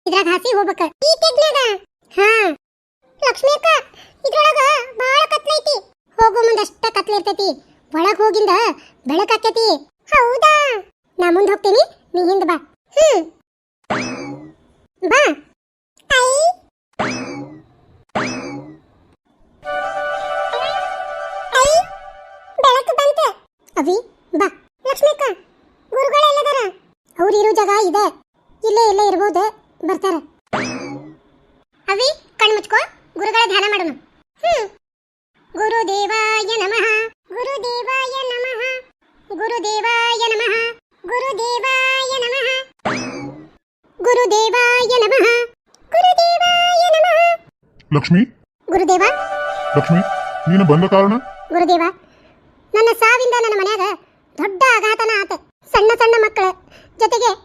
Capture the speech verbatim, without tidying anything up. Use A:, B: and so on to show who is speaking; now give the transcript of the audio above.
A: ಇದ್ರಾಗ ಹಾಸಿ ಹೋಗ್ಬೇಕ ಈ ತೆಗ್ನಾಗ. ಹಾ ಲಕ್ಷ್ಮಿ ಅಕ್ಕ, ಇದ್ರೊಳಗ ಬಾಳ ಕತ್ಲೈತಿ. ಹೋಗೋ ಮುಂದಷ್ಟ ಕತ್ಲ ಇರ್ತೈತಿ, ಒಳಗ್ ಹೋಗಿಂದ ಬೆಳಕಾಕೈತಿ. ಹೌದಾ, ನಾ ಮುಂದ್ ಹೋಗ್ತೀನಿ, ನೀ ಹಿಂದ್ ಬಾ. ಹ್ಮ್ ಬಾ. ಐ ಐ ಬೆಳಕು ಬಂತ. ಅವಿ ಬಾ. ಲಕ್ಷ್ಮಿ ಅಕ್ಕ, ಗುರುಗಳು ಎಲ್ಲದಾರ? ಅವ್ರು ಇರೋ ಜಾಗ ಇದೆ, ಇಲ್ಲೇ ಇಲ್ಲೇ ಇರ್ಬೋದು, ಬರ್ತಾರ. ಅವಿ ಕಣ್ಣು ಮುಚ್ಕೋ, ಗುರುಗಳ ಧ್ಯಾನ ಮಾಡೋಣ. ಹ್ಮ್ ಗುರುದೇವಾಯ ನಮಃ, ಗುರುದೇವಾಯ ನಮಃ, ಗುರುದೇವಾಯ ನಮಃ, ಗುರುದೇವಾಯ ನಮಃ, ಗುರುದೇವಾಯ ನಮಃ, ಗುರುದೇವಾಯ ನಮಃ.
B: ಲಕ್ಷ್ಮಿ,
A: ಗುರುದೇವ.
B: ಲಕ್ಷ್ಮಿ, ನೀನು ಬಂದ ಕಾರಣ?
A: ಗುರುದೇವ, ನನ್ನ ಸಾವಿಂದ ನನ್ನ ಮನ್ಯಾಗ ದೊಡ್ಡ ಆಘಾತನ ಆತ. ಸಣ್ಣ ಸಣ್ಣ ಮಕ್ಕಳ ಜೊತೆಗೆ